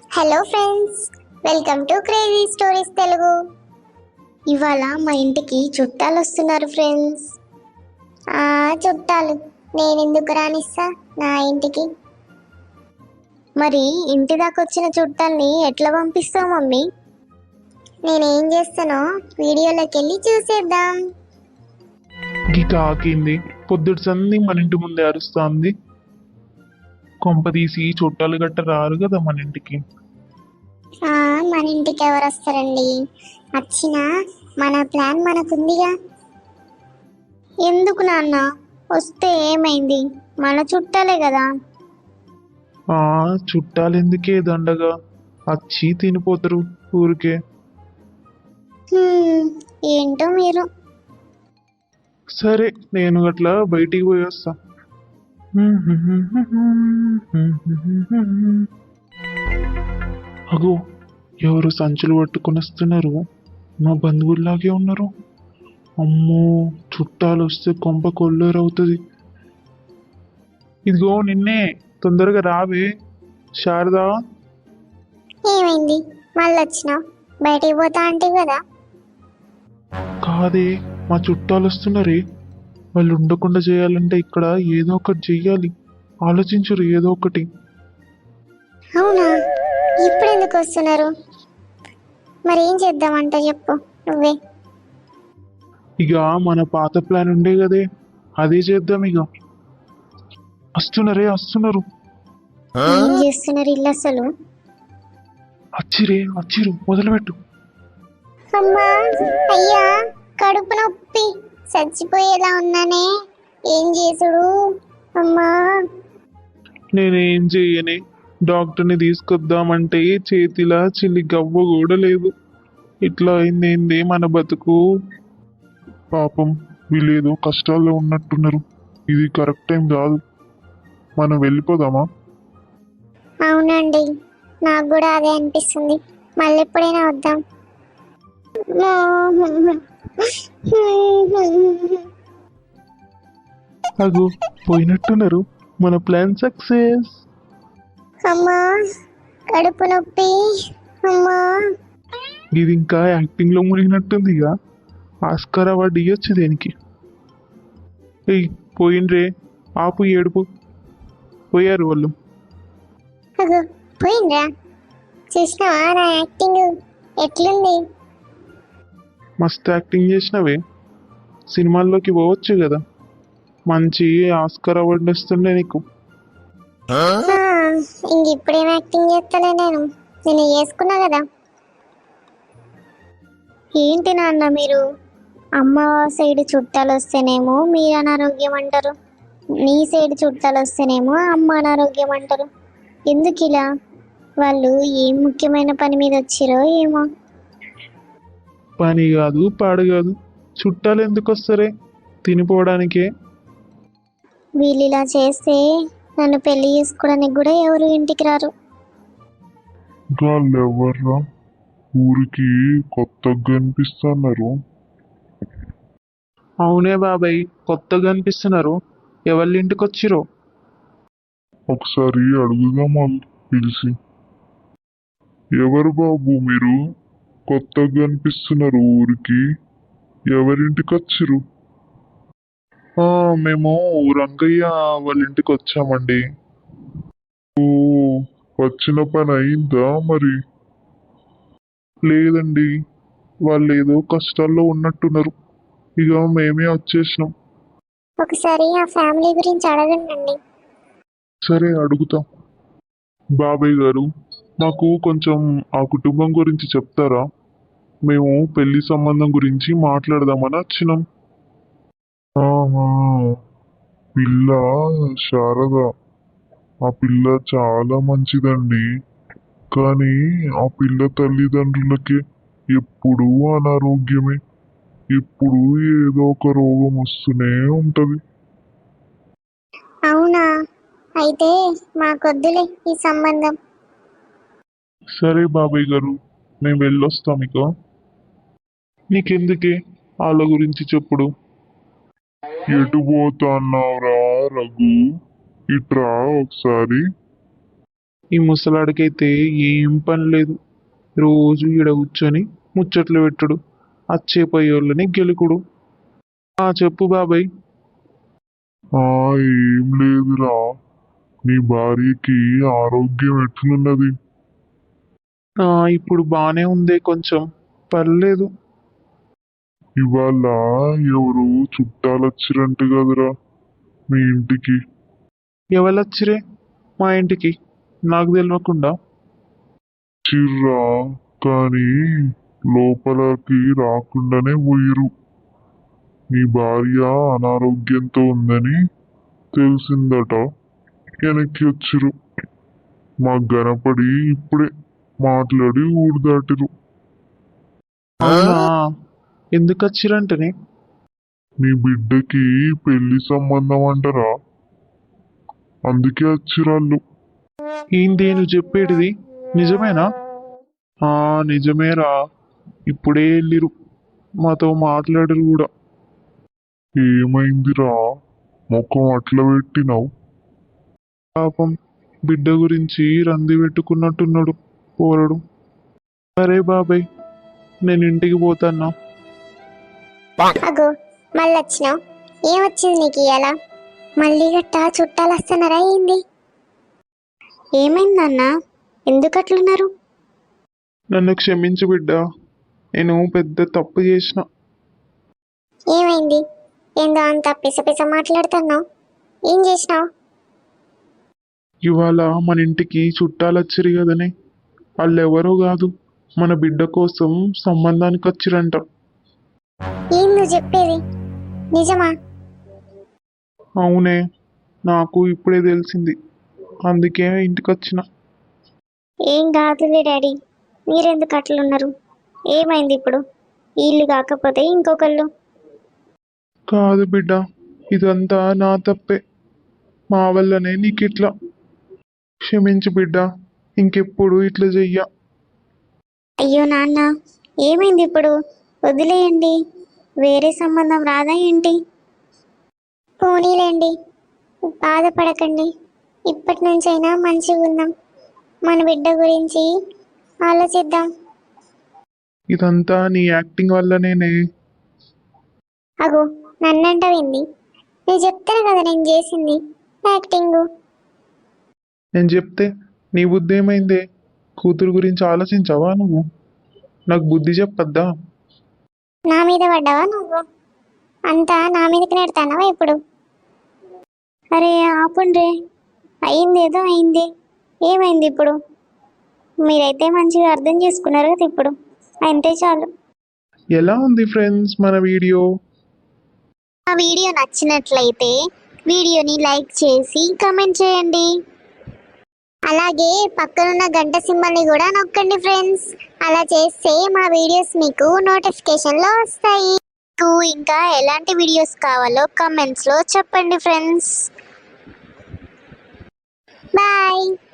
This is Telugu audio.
Hello friends, welcome to crazy stories Telugu. ఇవాళ మా ఇంటికి చుట్టాలు వస్తున్నారు ఫ్రెండ్స్. ఆ చుట్టాలు నేను ఎందుకు రానిస్తా నా ఇంటికి? మరి ఇంటి దాకా వచ్చిన చుట్టాల్ని ఎట్లా పంపిస్తావు మమ్మీ? నేనేం చేస్తానో వీడియోలోకి వెళ్ళి చూసేద్దాం. గీత ఆకింది. పొద్దుటి సంది మన ఇంటి ముందే అరుస్తోంది. కొంప తీసి చుట్టాలు గట్ట రారు కదా మన ఇంటికి. మన ఇంటికి ఎవరు వస్తారండి? వచ్చినా మన ప్లాన్ మనకుందిగా. ఎందుకు నాన్న? వస్తే ఏమైంది? మన చుట్టాలే కదా. ఆ చుట్టాలు ఎందుకే దండగా వచ్చి తినిపోతారు ఊరికే. ఏంటో మీరు. సరే నేను గట్లా బయటికి పోయి వస్తా. అగో ఎవరు సంచులు పట్టుకొని వస్తున్నారు. మా బంధువుల్లాగే ఉన్నారు. అమ్మో చుట్టాలు వస్తే కొంప కొల్లేరవుతుంది. ఇదిగో నిన్నే, తొందరగా రావే శారదా. ఏమైంది? మళ్ళీ వచ్చినావు? బయటికి పోతా అంటే కదా. కాదే, మా చుట్టాలు వస్తున్నారే. వాళ్ళు ఉండకుండా చేయాలంటే ఇక్కడ ఏదో ఒకటి చెయ్యాలి. ఆలోచించరు ఏదో ఒకటి. అవునా? ఇప్పుడు ఎందుకు వస్తున్నారు? మరి ఏం చేద్దామంట చెప్పు నువ్వే. ఇక మన పాత ప్లాన్ ఉండే కదే, అదే చేద్దాం ఇక. వస్తున్నారే వస్తున్నారు. ఏం చేస్తున్నారు ఇల్లు అసలు? వచ్చిరు మొదలుపెట్టు. అమ్మా, అయ్యా, కడుపు నొప్పి, చచ్చిపోయేలా ఉన్నానే. ఏం చేసుడు? అమ్మా. నేనేం చెయ్యనే, డాక్టర్ని తీసుకొద్దామంటే చేతిలా చిల్లి గవ్వ కూడా లేదు. ఇట్లా అయిందేంది మన బతుకు. పాపం వీళ్ళేదో కష్టాల్లో ఉన్నట్టున్నారు. ఇది కరెక్ట్ టైం కాదు. మనం వెళ్ళిపోదామా? అవునండి, నాకు కూడా అదే అనిపిస్తుంది. మళ్ళీ ఎప్పుడైనా వద్దాం. అగో పోయినట్టున్నారు. మన ప్లాన్ సక్సెస్. అమ్మా, కడుపు నొప్పి. అమ్మా. ఇది ఇంకా యాక్టింగ్ లో మునిగినట్టుంది. ఇక ఆస్కార్ అవార్డు ఇవ్వచ్చు దేనికి. ఏయ్ పోయిండ్రే, ఆపు ఏడుపు. పోయారు వాళ్ళు. అగో పోయిండ్రా? చూసినావా నా యాక్టింగ్ ఎట్లుంది? మస్తు యాక్టింగ్ చేసినవే. సినిమాల్లోకి పోవచ్చు కదా, మంచి ఆస్కార్ అవార్డు వస్తుండే నీకు. ఇంక ఇప్పుడేం యాక్టింగ్ చేస్తలే నేను చేసుకున్నా కదా. ఏంటి నాన్న మీరు? అమ్మ సైడ్ చుట్టాలు వస్తేనేమో మీరు అనారోగ్యం అంటారు, నీ సైడ్ చుట్టాలు వస్తేనేమో అమ్మ అనారోగ్యం అంటారు. ఎందుకు ఇలా? వాళ్ళు ఏం ముఖ్యమైన పని మీద వచ్చిరో ఏమో. పని కాదు పాడు కాదు, చుట్టాలు ఎందుకు వస్తారే? తినిపోవడానికే. వీళ్ళు ఇలా చేస్తే నన్ను పెళ్లి చేసుకోవడానికి కూడా ఎవరు ఇంటికి రారు. వాళ్ళెవర్రా ఊరికి కొత్తగా కనిపిస్తున్నారు? అవునే బాబాయ్, కొత్తగా అనిపిస్తున్నారు. ఎవరి ఇంటికి వచ్చిరో. ఒకసారి అడుగుదాం వాళ్ళు పిలిచి. ఎవరు బాబు మీరు? కొత్తగా కనిపిస్తున్నారు ఊరికి. ఎవరింటికి వచ్చిరు? మేము రంగయ్య వాళ్ళ ఇంటికి వచ్చామండి. ఓ, వచ్చిన పని అయిందా మరి? లేదండి, వాళ్ళు ఏదో కష్టాల్లో ఉన్నట్టున్నారు. ఇక మేమే వచ్చేసినాం. ఒకసారి ఆ ఫ్యామిలీ గురించి అడగండి. సరే అడుగుతాం. బాబాయ్ గారు, మాకు కొంచెం ఆ కుటుంబం గురించి చెప్తారా? మేము పెళ్లి సంబంధం గురించి మాట్లాడదామని వచ్చినాం. ఆహా, పిల్ల శారద. ఆ పిల్ల చాలా మంచిదండి. కానీ ఆ పిల్ల తల్లిదండ్రులకి ఎప్పుడూ అనారోగ్యమే. ఎప్పుడు ఏదో ఒక రోగం వస్తూనే ఉంటది. అవునా? అయితే మాకొద్దులే ఈ సంబంధం. సరే బాబాయ్ గారు, మేము వెళ్ళొస్తాం ఇక. నీకెందుకే వాళ్ళ గురించి చెప్పుడు. ఎటు పోతున్నావురా రఘు? ఇట్రా ఒకసారి. ఈ ముసలాడికైతే ఏం పని లేదు. రోజు ఈడ కూర్చొని ముచ్చట్లు పెట్టుడు, అచ్చేపోయేళ్ళని గెలుకుడు. చెప్పు బాబాయ్. ఏం లేదురా, నీ భార్యకి ఆరోగ్యం ఎట్లున్నది? ఇప్పుడు బానే ఉందే, కొంచెం పర్లేదు. ఇవాళ ఎవరు చుట్టాలొచ్చిరంట కదరా మీ ఇంటికి? ఎవరొచ్చిరే మా ఇంటికి? నాకు తెలియకుండా. చిర్రా, కానీ లోపలికి రాకుండానే పోయిరు. నీ భార్య అనారోగ్యంతో ఉందని తెలిసిందట, వెనక్కి వచ్చిరు. మాకు గనపడి ఇప్పుడే మాట్లాడి ఊరు దాటిరు. అవునా? ఎందుకు వచ్చిరంటనే? నీ బిడ్డకి పెళ్లి సంబంధం అంటారా, అందుకే వచ్చిరాళ్ళు. ఏంది నువ్వు చెప్పేటిది? నిజమేనా? నిజమేరా, ఇప్పుడే వెళ్ళిరు, మాతో మాట్లాడరు కూడా. ఏమైందిరా, ముఖం అట్లా పెట్టినావు? పాపం బిడ్డ గురించి రంది పెట్టుకున్నట్టున్నాడు పోరడు. సరే బాబాయ్, నేను ఇంటికి పోతాన్నా. అగో మళ్ళొచ్చినావు. ఏమొచ్చింది నీకు ఇయ్యాల? మళ్ళీ గట్ట చుట్టాలు వస్తున్నారా ఏంది? ఏమైందన్న? ఎందుకు అట్లున్నారు? నన్ను క్షమించు బిడ్డ, నేను పెద్ద తప్పు చేసిన. ఏమైంది? ఏందో అంత పిసపిస మాట్లాడుతున్నావు? ఏం చేసినావు? ఇవాళ మన ఇంటికి చుట్టాలు వచ్చిరు కదనే, వాళ్ళెవరో కాదు, మన బిడ్డ కోసం సంబంధానికి వచ్చిరంట. ఏం నువ్వు చెప్పేది? నిజమా? అవునే, నాకు ఇప్పుడే తెలిసింది, అందుకే ఇంటికి వచ్చిన. ఏం కాదులే డాడీ, మీరెందుకు అట్లున్నారు? ఏమైంది ఇప్పుడు? వీళ్ళు కాకపోతే ఇంకొకళ్ళు? కాదు బిడ్డ, ఇదంతా నా తప్పే, మా వల్లనే నీకిట్లా. క్షమించు బిడ్డ, ఇంకెప్పుడు ఇట్లా చెయ్య. అయ్యో నాన్న, ఏమైంది ఇప్పుడు? వదిలేయండి, వేరే సంబంధం రాదా ఏంటి? పోనీలేండి, బాధపడకండి. ఇప్పటి నుంచైనా మంచిగా ఉందాం, మన బిడ్డ గురించి ఆలోచిద్దాం. ఇదంతా నీ యాక్టింగ్ వల్లనేనే. అగో నన్నంటావేంది? నేను చెప్తాను కదా నేను చేసింది యాక్టింగ్. నేను చెప్తే నీ బుద్ధి ఏమైందే? కూతురు గురించి ఆలోచించావా నువ్వు? నాకు బుద్ధి చెప్పద్దా? నా మీద పడ్డావా నువ్వు? అంతా నా మీదకి నెడతానవా ఇప్పుడు? అరే ఆపుండ్రే, అయింది ఏదో అయింది. ఏమైంది ఇప్పుడు? మీరైతే మంచిగా అర్థం చేసుకున్నారు కదా ఇప్పుడు, అంతే చాలు. ఎలా ఉంది ఫ్రెండ్స్ మన వీడియో? ఆ వీడియో నచ్చినట్లయితే వీడియోని లైక్ చేసి కమెంట్ చేయండి. అలాగే పక్కనున్న గంట సింబల్ని కూడా నొక్కండి ఫ్రెండ్స్. అలా చేస్తే మా వీడియోస్ మీకు నోటిఫికేషన్లో వస్తాయి. మీకు ఇంకా ఎలాంటి వీడియోస్ కావాలో కమెంట్స్లో చెప్పండి ఫ్రెండ్స్. బాయ్.